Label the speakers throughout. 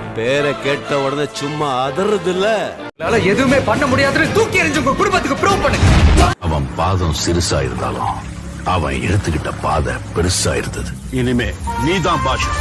Speaker 1: பேரை கேட்ட உடனே சும்மா அதறது இல்ல.
Speaker 2: எதுவுமே பண்ண முடியாதுன்னு தூக்கி எறிஞ்சு உங்க குடும்பத்துக்கு ப்ரூவ் பண்ணுங்க.
Speaker 3: அவன் பாதம் சிறுசா இருந்தாலும் அவன் எடுத்துக்கிட்ட பாதை பெருசா இருந்தது. இனிமே நீதான் பாஷா.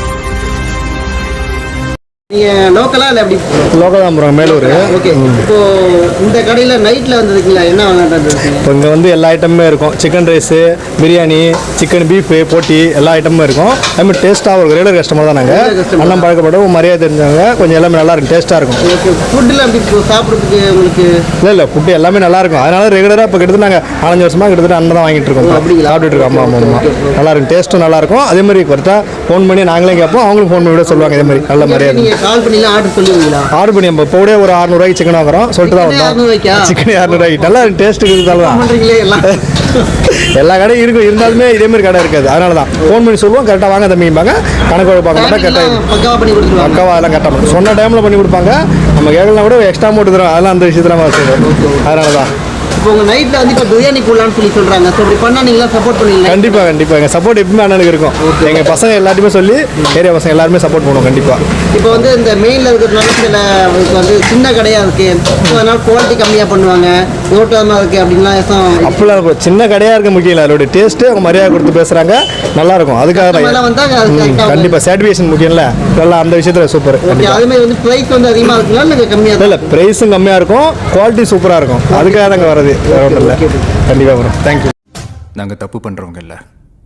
Speaker 4: லோக்கலா இல்ல எப்படி?
Speaker 5: லோக்கல் தான் ப்ரோ, மேலூர்.
Speaker 4: ஓகே. இப்போ இந்த கடையில நைட்ல வந்திருக்கீங்களா? என்ன வாங்கிட்டு?
Speaker 5: இப்போ இங்கே வந்து எல்லா ஐட்டமுமே இருக்கும். Chicken rice, biryani, chicken beef, போட்டி எல்லா ஐட்டமும் இருக்கும். அதுமாதிரி டேஸ்ட்டாக இருக்கும். ரெகுலர் கஸ்டமர் தான் நாங்கள். அண்ணன் பழக்கப்படும் மரியாதை தெரிஞ்சவங்க. கொஞ்சம் எல்லாமே நல்லா இருக்கும், டேஸ்ட்டாக இருக்கும்.
Speaker 4: ஓகே. ஃபுட்டில் எப்படி சாப்பிட்றதுக்கு உங்களுக்கு?
Speaker 5: இல்லை ஃபுட்டு எல்லாமே நல்லா இருக்கும். அதனால ரெகுலராக இப்போ கிட்டத்தட்ட நாங்கள் 4-5 வருஷமாக கிட்டத்தட்ட அண்ணன் தான் வாங்கிட்டு இருக்கோம். சாப்பிட்டுட்டு இருக்கோம். ஆமாம் ஆமாம், நல்லா இருக்கும். டேஸ்ட்டும் நல்லா இருக்கும். அதே மாதிரி கரெக்டாக ஃபோன் பண்ணி நாங்களே கேட்போம், அவங்களும் ஃபோன் பண்ணி விட சொல்லுவாங்க. இதே மாதிரி நல்ல மரியாதை.
Speaker 4: கால் பண்ணிலாம் ஆர்டர் பண்ணுவீங்களா?
Speaker 5: ஆர்டர் பண்ணி இப்போ கூட ஒரு 600 ரூபாய்க்கு சிக்கன் வாங்குறோம் சொல்லிட்டு தான் வந்தோம். சிக்கன் 600 ரூபாய்க்கு நல்லா டேஸ்ட் இருக்குதால
Speaker 4: பண்ணுறீங்களே எல்லாம்.
Speaker 5: எல்லா கடையும் இருக்கும், இருந்தாலுமே இதே மாதிரி கடை இருக்காது. அதனால தான் ஃபோன் பண்ணி சொல்லுவோம், கரெக்டாக வாங்க தம்பிப்பாங்க. கணக்கு பார்க்க மாட்டா கரெக்டாக
Speaker 4: பக்காவாக பண்ணி கொடுத்துருவாங்க.
Speaker 5: பக்காவாக அதெல்லாம் கரெக்டாக சொன்ன டைமில் பண்ணி கொடுப்பாங்க. நம்ம கேட்கலாம் கூட எக்ஸ்ட்ரா அமௌண்ட் தரும். அதெல்லாம் அந்த விஷயத்தில் நம்ம செய்வோம். அதனால தான்
Speaker 4: இப்போ உங்கள் நைட்டில் வந்து இப்போ பிரியாணி போடலான்னு சொல்கிறாங்க. ஸோ இப்படி பண்ணால் நீங்களாம் சப்போர்ட் பண்ணுவீங்களா?
Speaker 5: கண்டிப்பாக கண்டிப்பாக எங்கள் சப்போர்ட் எப்பவுமே அண்ணனுக்கு இருக்கும். எங்கள் பசங்க எல்லாத்தையுமே சொல்லி ஏரியா பசங்க எல்லாருமே சப்போர்ட் பண்ணுவோம் கண்டிப்பாக.
Speaker 4: இப்போ வந்து இந்த மெயினில் இருக்கிறதுனால சில வந்து சின்ன கடையாக இருக்குது, அதனால குவாலிட்டி கம்மியாக பண்ணுவாங்க, ஓட்டமாக இருக்குது அப்படின்லாம்
Speaker 5: அப்படிலாம் இருக்கும். சின்ன கடையாக இருக்க முக்கியம் இல்லை, அதோட டேஸ்ட்டு அவங்க மரியாதை கொடுத்து பேசுகிறாங்க, நல்லாயிருக்கும். அதுக்காக தான் கண்டிப்பாக சாட்டிஸ்ஃபேக்ஷன் முக்கியம்ல. நல்லா அந்த விஷயத்தில் சூப்பர்.
Speaker 4: அதுமாதிரி வந்து ப்ரைஸ் வந்து அதிகமாக இருக்குங்களா இல்லை கம்மியாக?
Speaker 5: இல்லை ப்ரைஸும் கம்மியாக இருக்கும், குவாலிட்டி சூப்பராக இருக்கும். அதுக்காக தாங்க வரது, ஒன்றும் இல்லை. கண்டிப்பாக வரும். தேங்க்யூ.
Speaker 6: நாங்கள் தப்பு பண்ணுறவங்க இல்லை,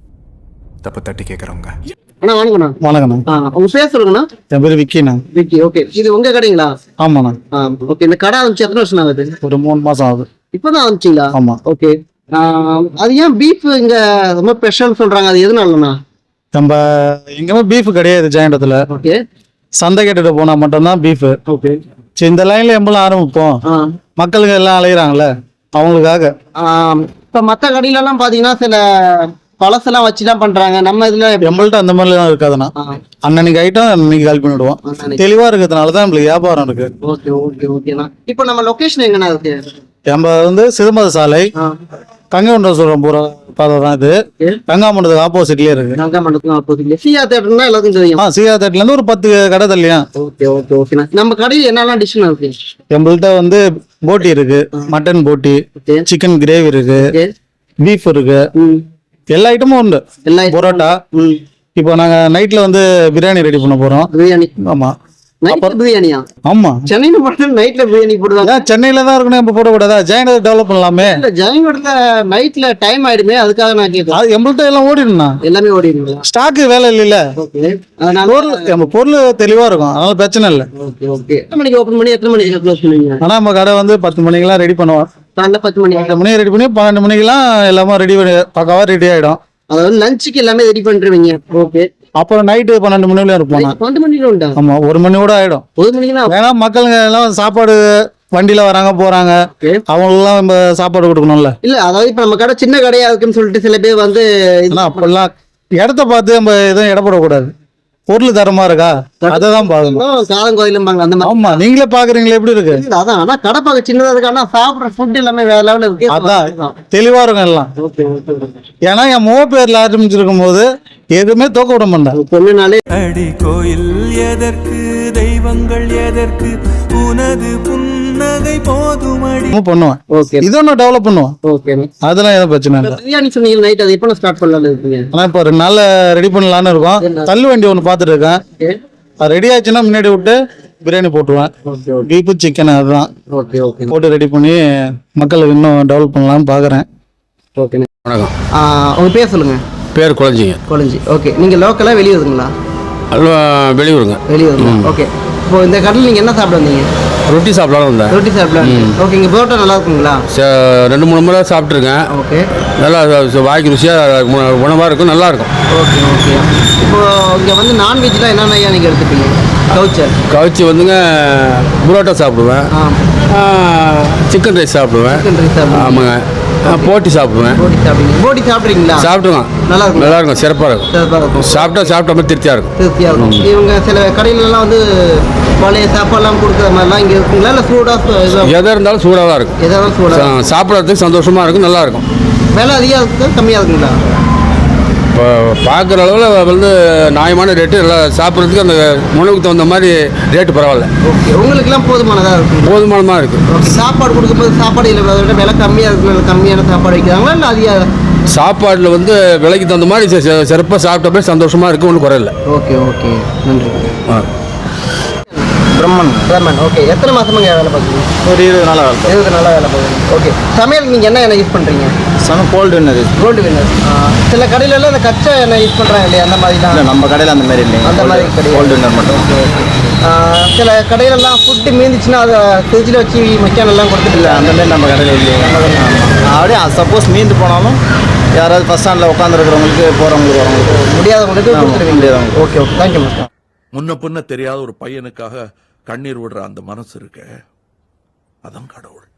Speaker 6: தப்பு தட்டி கேட்குறவங்க.
Speaker 4: அண்ணா வணக்கண்ணா.
Speaker 5: வணக்கண்ணா.
Speaker 4: உங்கள் பேர் சொல்லுங்கண்ணா.
Speaker 5: என் பேர் விக்கிண்ணா.
Speaker 4: விக்கி. ஓகே. இது உங்கள் கடைங்களா?
Speaker 5: ஆமாண்ணா.
Speaker 4: ஓகே. இந்த கடை ஆரம்பிச்சு எத்தனை வருஷம் ஆகுது?
Speaker 5: ஒரு 3 மாதம் ஆகுது.
Speaker 4: இப்போ தான் ஆரம்பிச்சிங்களா?
Speaker 5: ஆமாம்.
Speaker 4: ஓகே. அது ஏன் பீஃப் இங்கே ரொம்ப ஸ்பெஷல் சொல்கிறாங்க, அது எதுனாலண்ணா?
Speaker 5: நம்ம எங்கேயுமே பீஃப் கிடையாது ஜெயண்டத்தில்.
Speaker 4: ஓகே.
Speaker 5: சந்தை கேட்டுட்டு போனால் மட்டும்தான் பீஃபு.
Speaker 4: ஓகே.
Speaker 5: சரி, இந்த லைனில் எம்பளும் ஆரம்பிப்போம். மக்களுக்கு எல்லாம் அலையிறாங்களே அவங்களுக்காக.
Speaker 4: இப்போ மற்ற கடையிலலாம் பார்த்தீங்கன்னா சில பழசெல்லாம் வச்சுலாம் பண்ணுறாங்க. நம்ம இதில்
Speaker 5: எம்பள்கிட்ட அந்த மாதிரிலாம் இருக்காதுண்ணா. அன்னன்னைக்கு ஐட்டம் அன்னைக்கு கால் பண்ணிவிடுவோம். தெளிவாக இருக்கிறதுனால தான் நம்மளுக்கு வியாபாரம் இருக்கு.
Speaker 4: ஓகே ஓகே ஓகேண்ணா. இப்போ நம்ம லொக்கேஷன் எங்கண்ணா இருக்கு?
Speaker 5: நம்ம வந்து சிதம்பர சாலை கங்கமண்டலம் போகிற பாதை தான் இது. கங்காமண்டலத்துக்கு ஆப்போசிட்லேயே இருக்கு.
Speaker 4: கங்காமண்டலத்துக்கு ஆப்போசிட்லேயே சியா தேட்டர்னா எல்லாத்துக்கும் தெரியும்.
Speaker 5: சியா தேட்டர்லேருந்து ஒரு 10 கடை தள்ளியா.
Speaker 4: ஓகே ஓகே ஓகேண்ணா. நம்ம கடையில் என்னெல்லாம் டிஷ்ஷுண்ணா இருக்கு?
Speaker 5: நம்மள்கிட்ட வந்து போட்டி இருக்கு, மட்டன் போட்டி, சிக்கன் கிரேவி இருக்கு, பீஃப் இருக்கு, எல்லா ஐட்டமும் உண்டு. பரோட்டா. இப்போ நாங்க நைட்ல வந்து பிரியாணி ரெடி பண்ண போறோம்.
Speaker 4: பிரியாணி?
Speaker 5: ஆமா.
Speaker 4: பிரியாணியா?
Speaker 5: ஆமா.
Speaker 4: சென்னையில மட்டும் நைட்ல பிரியாணி போடுவாங்க.
Speaker 5: சென்னையில தான் இருக்கணும், இப்ப போடக்கூடாதா? ஜெயநகர் டெவலப் பண்ணலாமே.
Speaker 4: ஜெயநகர்ல நைட்ல டைம் ஆயிடுமே, அதுக்காக நான் கேட்கிறேன்.
Speaker 5: எம்பள்கிட்ட எல்லாம் ஓடிடும்ண்ணா.
Speaker 4: எல்லாமே ஓடிடுங்களா?
Speaker 5: ஸ்டாக்கு வேலை இல்ல. நம்ம பொருள் தெளிவா இருக்கும், அதனால பிரச்சனை இல்லை.
Speaker 4: Okay okay. எத்தனை மணிக்கு ஓபன் பண்ணி எத்தனை மணிக்கு க்ளோஸ் பண்ணுவீங்க?
Speaker 5: ஆனா நம்ம கடை வந்து 10 மணிக்கெல்லாம் ரெடி பண்ணுவோம்.
Speaker 4: காலைல 10 மணி
Speaker 5: ரெடி பண்ணி 12 மணிக்கெல்லாம் எல்லாமே ரெடி பண்ணி பக்காவா ரெடி ஆயிடும்.
Speaker 4: அதாவது லஞ்சுக்கு எல்லாமே ரெடி பண்ணிருவீங்க. ஓகே.
Speaker 5: அப்புறம் நைட்டு 12 மணி வரையும் இருப்போம்.
Speaker 4: 12 மணிக்கு உண்டா?
Speaker 5: ஆமா, 1 மணி கூட ஆயிடும்.
Speaker 4: 1 மணிக்கு
Speaker 5: ஏன்னா மக்களுங்க எல்லாம் சாப்பாடு வண்டியில வராங்க போறாங்க, அவங்களுக்குலாம் நம்ம சாப்பாடு கொடுக்கணும்ல.
Speaker 4: இல்ல அதாவது இப்ப நம்ம கடை சின்ன கடையா இருக்குன்னு சொல்லிட்டு சில பேர் வந்து
Speaker 5: அப்பெல்லாம் இடத்த பார்த்து நம்ம எதுவும் இடப்படக்கூடாது. பொருள் தரமா இருக்கா அதான் பாக்கணும்.
Speaker 4: காலம் கோயிலும் அந்த மாதிரி.
Speaker 5: ஆமா, நீங்களே பாக்குறீங்களா எப்படி இருக்கு?
Speaker 4: அதான். ஆனா கடை பார்க்க சின்னதா இருக்கு, ஆனா சாப்பிடுற ஃபுட் எல்லாமே வேற லெவல்ல இருக்கு.
Speaker 5: அதான் தெளிவா இருக்கும் எல்லாம். ஏன்னா என் முக பேர்ல ஆரம்பிச்சிருக்கும் போது எதுவுமே தோக்க விட மாட்டேன்.
Speaker 4: பொண்ணுனாலே
Speaker 7: அடி கோயில் எதற்கு, தெய்வங்கள் எதற்கு, உனது புன்னகை போதுமடி
Speaker 5: பண்ணுவேன்.
Speaker 4: ஓகே.
Speaker 5: இது ஒன்னும் டெவலப் பண்ணுவோம்.
Speaker 4: ஓகே.
Speaker 5: அதெல்லாம் எதுவும் பிரச்சனை இல்லை.
Speaker 4: பிரியாணி சொன்னீங்க நைட், அது எப்போ ஸ்டார்ட் பண்ணலாம்னு இருக்கீங்க?
Speaker 5: ஆனா இப்போ 2 நாள்ல ரெடி பண்ணலான்னு இருக்கோம். தள்ளு வண்டி ஒன்று பார்த்துட்டு இருக்கேன். அது ரெடி ஆச்சுன்னா முன்னாடி விட்டு பிரியாணி போட்டுருவேன். பீஃபு சிக்கன் அதுதான் போட்டு ரெடி பண்ணி மக்களுக்கு இன்னும் டெவலப் பண்ணலாம்னு பாக்குறேன்.
Speaker 4: ஓகே.
Speaker 3: வணக்கம்.
Speaker 4: உங்க பேர் சொல்லுங்க.
Speaker 3: பேர் குழஞ்சிங்க.
Speaker 4: குழஞ்சி. ஓகே. நீங்க லோக்கலா வெளியூருங்களா?
Speaker 3: வெளியூருங்க.
Speaker 4: வெளியூருங்க. ஓகே. இப்போ இந்த கடையில் நீங்க என்ன சாப்பிட வந்தீங்க?
Speaker 3: ரொட்டி சாப்பிடலாம் வந்தேன்.
Speaker 4: ரொட்டி சாப்பிடலாம். ஓகே. இங்க பரோட்டா நல்லா இருக்குங்களா?
Speaker 3: 2-3 முறை சாப்பிட்ருக்கேன்.
Speaker 4: ஓகே. நல்லா
Speaker 3: வாய்க்கு ருசியாக உணவாக இருக்கும், நல்லா இருக்கும்.
Speaker 4: Okay okay. இப்போ இங்கே வந்து நான்வெஜ்லாம் என்னென்ன நீங்கள் எடுத்துப்பீங்க?
Speaker 3: கவுச்சி வந்துங்க புரோட்டா சாப்பிடுவேன், சிக்கன் ரைஸ் சாப்பிடுவேன். ஆமாங்க. போட்டி சாப்பிடுவேன்.
Speaker 4: போட்டி சாப்பிட்றீங்களா?
Speaker 3: சாப்பிடுவேன். நல்லா இருக்கும். நல்லா இருக்கும், சிறப்பாக இருக்கும். சாப்பிட்ட மாதிரி திருப்தியாக இருக்கும்.
Speaker 4: இவங்க சில கடையிலலாம் வந்து பழைய சாப்பாடுலாம் கொடுக்குற மாதிரிலாம் இங்கே இருக்குங்களா, இல்லை சூடாக?
Speaker 3: எதாக இருந்தாலும் சூடாக தான் இருக்கும்.
Speaker 4: எதாவது சூடாக
Speaker 3: சாப்பிட்றதுக்கு சந்தோஷமாக இருக்கும், நல்லா இருக்கும்.
Speaker 4: விலை அதிகம் இருக்குது, கம்மியாக இருக்குங்களா?
Speaker 8: இப்போ பார்க்குற அளவில் வந்து நியாயமான ரேட்டு நல்லா சாப்பிட்றதுக்கு அந்த உணவுக்கு தகுந்த மாதிரி ரேட்டு பரவாயில்ல.
Speaker 4: ஓகே, உங்களுக்குலாம் போதுமானதாக இருக்கும்.
Speaker 8: போதுமானமாக இருக்குது.
Speaker 4: சாப்பாடு கொடுக்கும்போது சாப்பாடு இல்லை விலை கம்மியாக இருக்கு, கம்மியான சாப்பாடு வைக்கிறாங்களா இல்லை அதிக?
Speaker 8: சாப்பாட்டில் வந்து விலைக்கு தகுந்த மாதிரி சிறப்பாக சாப்பிட்டப்பே சந்தோஷமாக இருக்குது, ஒன்றும் குறையில்லை.
Speaker 4: ஓகே ஓகே, நன்றி.
Speaker 5: பிரம்மன்
Speaker 4: பிரம்மன், ஓகே. எத்தனை மாதமாக வேலை பார்க்குறீங்க?
Speaker 5: ஒரு 20 நாளாக வேலை
Speaker 4: 20 நாளாக வேலை பார்க்குறீங்க. ஓகே, சமையல் நீங்கள் என்ன யூஸ் பண்ணுறீங்க?
Speaker 5: Gold winner.
Speaker 4: Gold winner. சில கடையிலலாம் இந்த கச்சா எண்ணெய் யூஸ் பண்ணுறாங்க இல்லையா, அந்த மாதிரி தான்?
Speaker 5: நம்ம கடையில் அந்த மாதிரி இல்லை,
Speaker 4: அந்த மாதிரி கிடையாது,
Speaker 5: கோல்டு வின்னர் மட்டும்.
Speaker 4: சில கடையிலலாம் ஃபுட்டு மீந்துச்சுன்னா அதை ஃப்ரிட்ஜில் வச்சு மக்கானெல்லாம் கொடுத்துட்டு
Speaker 5: இல்லை, அந்த மாதிரி நம்ம கடையில் இல்லையே. அப்படியே சப்போஸ் மீந்து போனாலும் யாராவது ஃபஸ்ட் ஸ்டாண்டில் உட்காந்துருக்கிறவங்களுக்கு போகிறவங்களுக்கு வரவங்களுக்கு
Speaker 4: முடியாதவங்களுக்கு கொடுத்துருவீங்க.
Speaker 5: முடியாதவங்க.
Speaker 4: Okay okay, thank you mister.
Speaker 3: முன்ன பின்ன தெரியாத ஒரு பையனுக்காக கண்ணீர் விடுற அந்த மனசு இருக்க, அதான் கடவுள்.